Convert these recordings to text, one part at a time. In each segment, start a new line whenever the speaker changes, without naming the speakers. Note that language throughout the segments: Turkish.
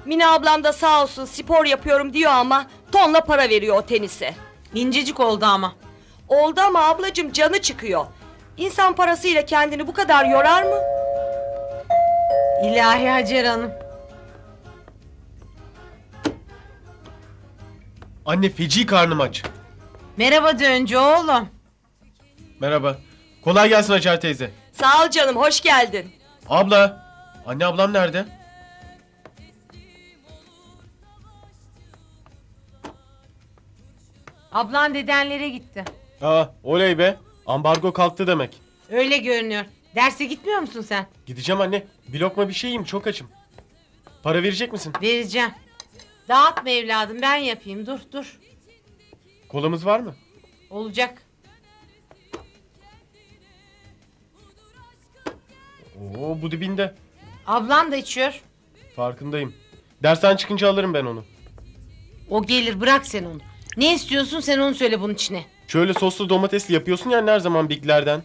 Mine ablam da sağ olsun spor yapıyorum diyor ama tonla para veriyor o tenise.
İncecik oldu ama.
Oldu ama ablacığım canı çıkıyor. İnsan parasıyla kendini bu kadar yorar mı?
İlahi Hacer Hanım.
Anne feci karnım aç.
Merhaba Döncü oğlum.
Merhaba. Kolay gelsin Hacer teyze.
Sağ ol canım, hoş geldin.
Abla. Anne ablam nerede?
Ablan dedenlere gitti.
Aa oley be. Ambargo kalktı demek.
Öyle görünüyor. Derse gitmiyor musun sen?
Gideceğim anne. Bir lokma bir şey yiyeyim, çok açım. Para verecek misin?
Vereceğim. Dağıtma evladım, ben yapayım. Dur.
Kolamız var mı?
Olacak.
Oo bu dibinde.
Ablan da içiyor.
Farkındayım. Dersten çıkınca alırım ben onu.
O gelir, bırak sen onu. Ne istiyorsun sen onu söyle bunun içine.
Şöyle soslu domatesli yapıyorsun ya her zaman Big'lerden.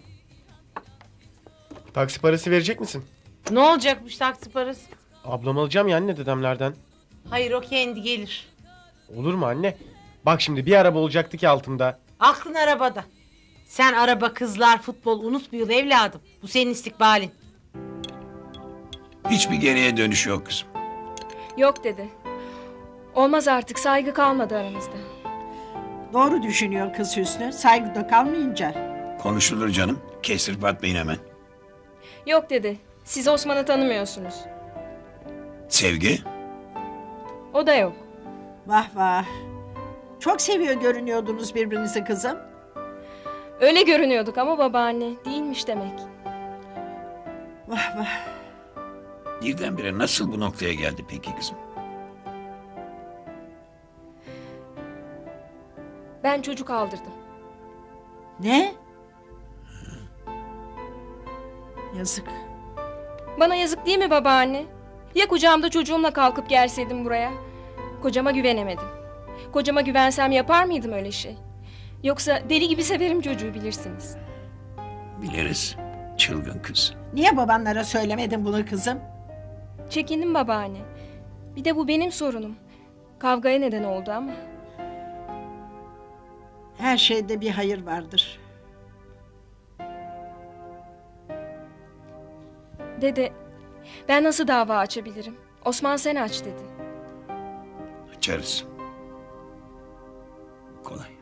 Taksi parası verecek misin?
Ne olacakmış taksi parası?
Ablam alacağım ya anne dedemlerden.
Hayır, o kendi gelir.
Olur mu anne? Bak şimdi bir araba olacaktı ki altımda.
Aklın arabada. Sen araba, kızlar, futbol unut bu yıl evladım. Bu senin istikbalin.
Hiçbir geriye dönüş yok kızım.
Yok dedi. Olmaz artık, saygı kalmadı aramızda.
Doğru düşünüyor kız Hüsnü. Saygıda kalmayınca.
Konuşulur canım. Kestirip atmayın hemen.
Yok dedi. Siz Osman'ı tanımıyorsunuz.
Sevgi?
O da yok.
Vah vah. Çok seviyor görünüyordunuz birbirinizi kızım.
Öyle görünüyorduk ama babaanne değilmiş demek.
Vah vah.
Birdenbire nasıl bu noktaya geldi peki kızım?
Ben çocuk aldırdım.
Ne? Yazık.
Bana yazık değil mi babaanne? Ya kucağımda çocuğumla kalkıp gelseydim buraya? Kocama güvenemedim. Kocama güvensem yapar mıydım öyle şey? Yoksa deli gibi severim çocuğu, bilirsiniz.
Biliriz. Çılgın kız.
Niye babanlara söylemedin bunu kızım?
Çekindim babaanne. Bir de bu benim sorunum. Kavgaya neden oldu ama.
Her şeyde bir hayır vardır.
Dede, ben nasıl dava açabilirim? Osman sen aç dedi.
Açarız. Kolay.